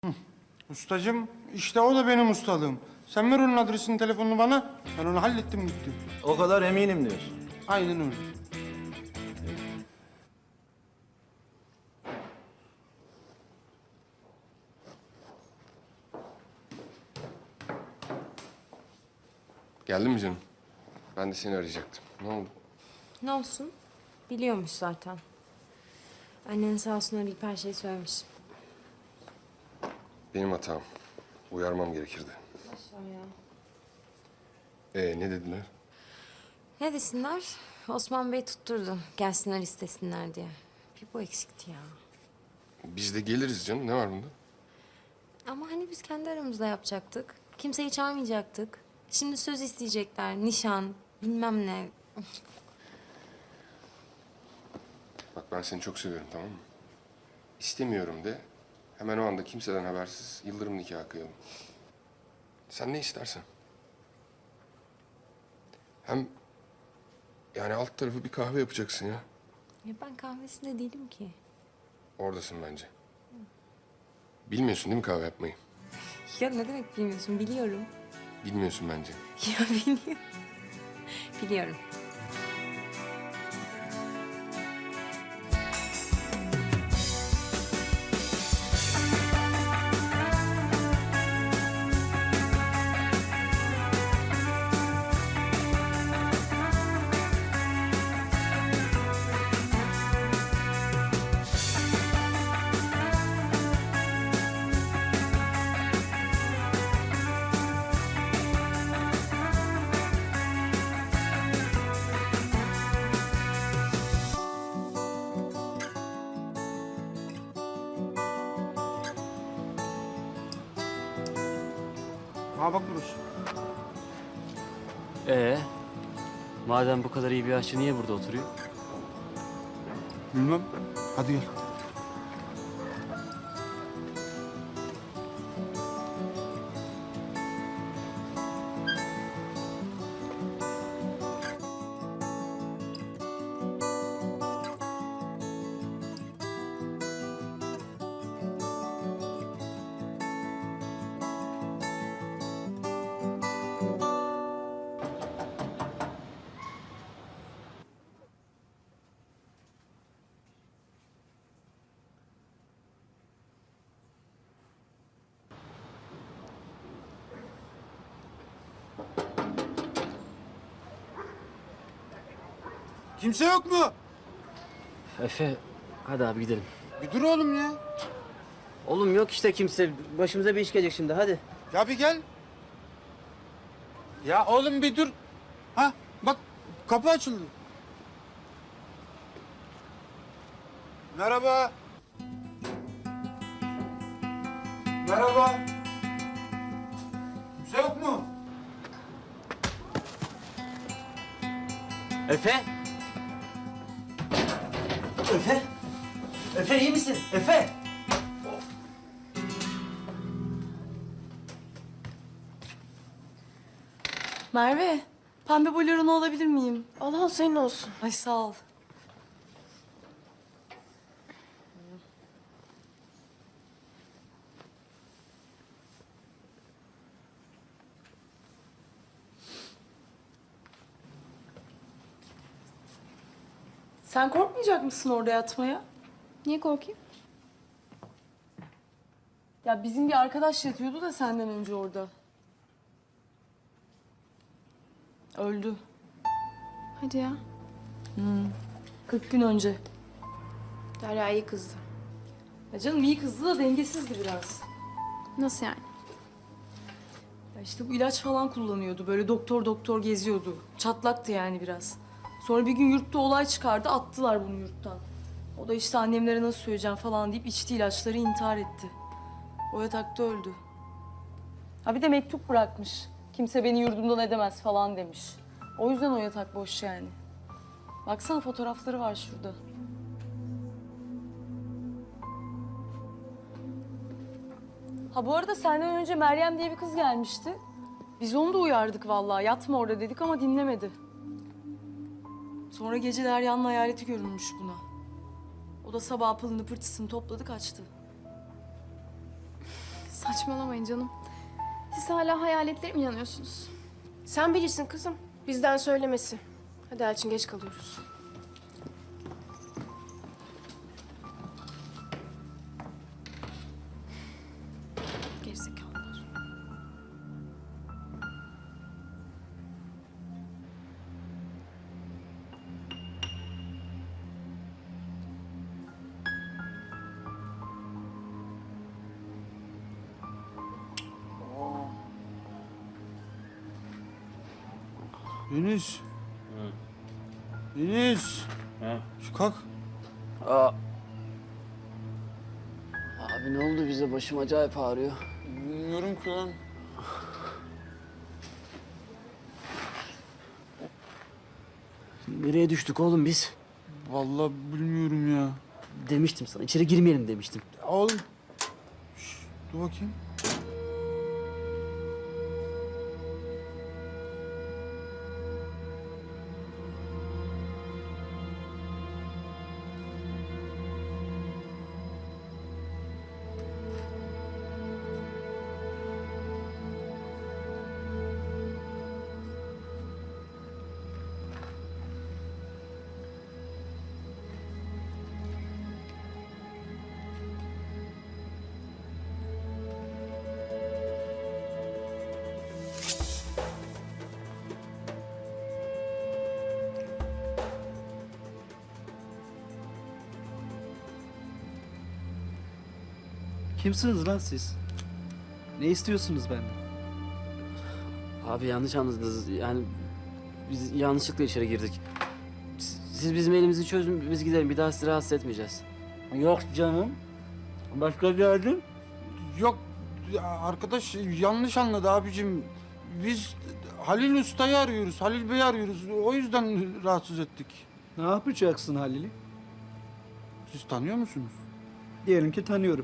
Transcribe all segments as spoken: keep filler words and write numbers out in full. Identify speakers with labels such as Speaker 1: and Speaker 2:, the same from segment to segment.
Speaker 1: Ustacığım, işte o da benim ustalığım. Sen ver onun adresini, telefonunu bana. Ben onu hallettim gitti.
Speaker 2: O kadar eminim diyorsun.
Speaker 1: Aynen öyle.
Speaker 3: Geldin mi canım? Ben de seni arayacaktım. Ne oldu?
Speaker 4: Ne olsun? Biliyormuş zaten. Annen sağ olsun arayıp her şeyi söylemiş.
Speaker 3: Benim hatam. Uyarmam gerekirdi.
Speaker 4: Boş ver ya.
Speaker 3: Ee ne dediler?
Speaker 4: Ne desinler? Osman Bey tutturdu. Gelsinler istesinler diye. Bir bu eksikti ya.
Speaker 3: Biz de geliriz canım. Ne var bunda?
Speaker 4: Ama hani biz kendi aramızda yapacaktık. Kimseyi çağırmayacaktık. Şimdi söz isteyecekler. Nişan, bilmem ne.
Speaker 3: Bak ben seni çok seviyorum, tamam mı? İstemiyorum de. Hemen o anda kimseden habersiz yıldırım nikahı kıyalım. Sen ne istersen. Hem yani alt tarafı bir kahve yapacaksın ya.
Speaker 4: Ya ben kahvesinde değilim ki.
Speaker 3: Oradasın bence. Bilmiyorsun değil mi kahve yapmayı?
Speaker 4: Ya ne demek bilmiyorsun? Biliyorum.
Speaker 3: Bilmiyorsun bence.
Speaker 4: Ya biliyorum. Biliyorum.
Speaker 1: Ha bak burası.
Speaker 5: Ee, madem bu kadar iyi bir aşçı niye burada oturuyor?
Speaker 1: Bilmem. Hadi gel. Kimse yok mu?
Speaker 5: Efe, hadi abi gidelim.
Speaker 1: Bir dur oğlum ya.
Speaker 5: Oğlum yok işte kimse. Başımıza bir iş gelecek şimdi, hadi.
Speaker 1: Ya bir gel. Ya oğlum bir dur. Ha bak kapı açıldı. Merhaba. Merhaba. Kimse yok mu?
Speaker 5: Efe! Efe! Efe iyi misin? Efe!
Speaker 6: Merve, pembe boleronu alabilir miyim?
Speaker 7: Al al senin olsun.
Speaker 6: Ay sağ ol. Sen korkmayacak mısın orada yatmaya?
Speaker 7: Niye korkayım?
Speaker 6: Ya bizim bir arkadaş yatıyordu da senden önce orada. Öldü.
Speaker 7: Hadi ya.
Speaker 6: kırk gün önce.
Speaker 7: Derya iyi kızdı.
Speaker 6: Ya canım iyi kızdı da dengesizdi biraz.
Speaker 7: Nasıl yani?
Speaker 6: Ya işte bu ilaç falan kullanıyordu. Böyle doktor doktor geziyordu. Çatlaktı yani biraz. Sonra bir gün yurtta olay çıkardı. Attılar bunu yurttan. O da işte annemlere nasıl söyleyeceğim falan deyip içti ilaçları intihar etti. O yatakta öldü. Ha bir de mektup bırakmış. Kimse beni yurdumdan edemez falan demiş. O yüzden o yatak boş yani. Baksana fotoğrafları var şurada. Ha bu arada senden önce Meryem diye bir kız gelmişti. Biz onu da uyardık vallahi. Yatma orada dedik ama dinlemedi. Sonra gece Derya'nın hayaleti görünmüş buna. O da sabah pılını pırtısını topladı kaçtı.
Speaker 7: Saçmalamayın canım. Siz hala hayaletlere mi inanıyorsunuz?
Speaker 2: Sen bilirsin kızım. Bizden söylemesi. Hadi Elçin, geç kalıyoruz. Gerizekalılar.
Speaker 1: Deniz. Deniz. Şu kalk.
Speaker 5: Aa. Abi ne oldu bize? Başım acayip ağrıyor.
Speaker 1: Bilmiyorum ki lan.
Speaker 5: Nereye düştük oğlum biz?
Speaker 1: Vallahi bilmiyorum ya.
Speaker 5: Demiştim sana. İçeri girmeyelim demiştim.
Speaker 1: Oğlum. Şş, dur bakayım.
Speaker 8: Kimsiniz lan siz? Ne istiyorsunuz benden?
Speaker 5: Abi yanlış anladınız. Yani biz yanlışlıkla içeri girdik. Siz siz bizim elimizi çözün, biz gidelim. Bir daha sizi rahatsız etmeyeceğiz.
Speaker 8: Yok canım. Başka geldin?
Speaker 1: Yok ya arkadaş yanlış anladı abicim. Biz Halil Usta'yı arıyoruz. Halil Bey'i arıyoruz. O yüzden rahatsız ettik.
Speaker 8: Ne yapacaksın Halil'i?
Speaker 1: Siz tanıyor musunuz?
Speaker 8: Diyelim ki tanıyorum.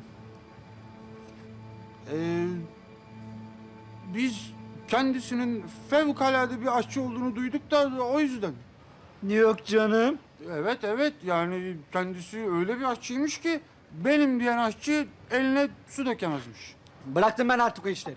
Speaker 1: Ee, biz kendisinin fevkalade bir aşçı olduğunu duyduk da o yüzden.
Speaker 8: Yok canım.
Speaker 1: Evet evet yani kendisi öyle bir aşçıymış ki benim diyen aşçı eline su dökemezmiş.
Speaker 8: Bıraktım ben artık o işleri.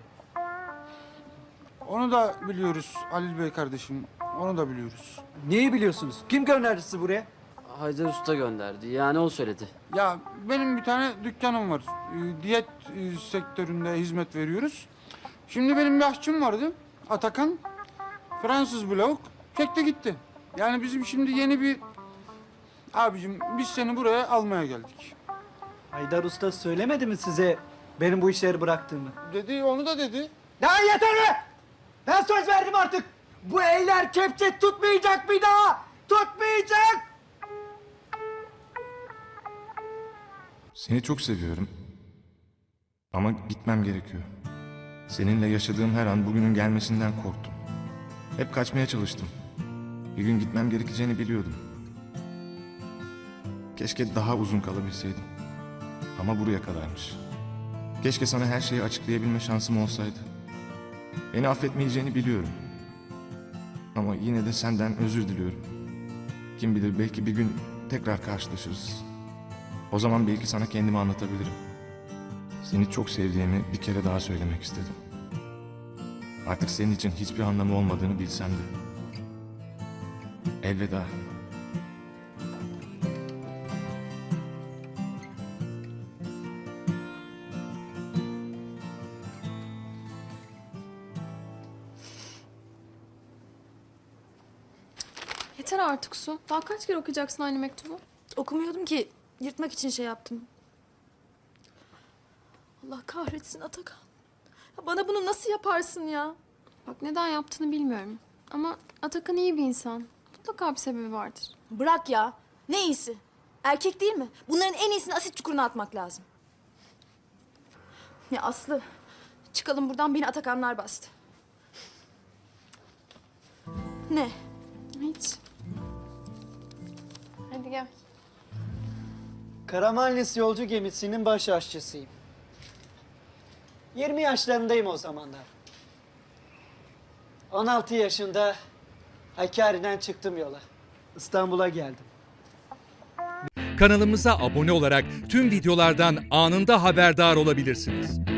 Speaker 1: Onu da biliyoruz Halil Bey kardeşim. Onu da biliyoruz.
Speaker 8: Neyi biliyorsunuz? Kim gönderdi sizi buraya?
Speaker 5: Haydar Usta gönderdi. Yani o söyledi.
Speaker 1: Ya benim bir tane dükkanım var. Ee, diyet e, sektöründe hizmet veriyoruz. Şimdi benim bir aşçım vardı. Atakan. Fransız blok. Çekti gitti. Yani bizim şimdi yeni bir... Abicim biz seni buraya almaya geldik.
Speaker 8: Haydar Usta söylemedi mi size benim bu işleri bıraktığımı?
Speaker 1: Dedi onu da dedi.
Speaker 8: Ya yeter be! Ben söz verdim artık. Bu eller kepçe tutmayacak bir daha. Tutmayacak!
Speaker 9: Seni çok seviyorum. Ama gitmem gerekiyor. Seninle yaşadığım her an bugünün gelmesinden korktum. Hep kaçmaya çalıştım. Bir gün gitmem gerekeceğini biliyordum. Keşke daha uzun kalabilseydim. Ama buraya kadarmış. Keşke sana her şeyi açıklayabilme şansım olsaydı. Beni affetmeyeceğini biliyorum. Ama yine de senden özür diliyorum. Kim bilir belki bir gün tekrar karşılaşırız. O zaman belki sana kendimi anlatabilirim. Seni çok sevdiğimi bir kere daha söylemek istedim. Artık senin için hiçbir anlamı olmadığını bilsem de. Elveda.
Speaker 7: Yeter artık Su. Daha kaç kere okuyacaksın aynı mektubu?
Speaker 10: Okumuyordum ki. Yırtmak için şey yaptım. Allah kahretsin Atakan. Ya bana bunu nasıl yaparsın ya?
Speaker 7: Bak neden yaptığını bilmiyorum. Ama Atakan iyi bir insan. Mutlaka bir sebebi vardır.
Speaker 10: Bırak ya. Ne iyisi? Erkek değil mi? Bunların en iyisini asit çukuruna atmak lazım. Ya Aslı, çıkalım buradan, beni Atakanlar bastı. Ne?
Speaker 7: Hiç. Hadi gel.
Speaker 8: Karamanlis yolcu gemisinin baş aşçısıyım. yirmi yaşlarındayım o zamanlar. on altı yaşında Hakkari'den çıktım yola. İstanbul'a geldim.
Speaker 11: Kanalımıza abone olarak tüm videolardan anında haberdar olabilirsiniz.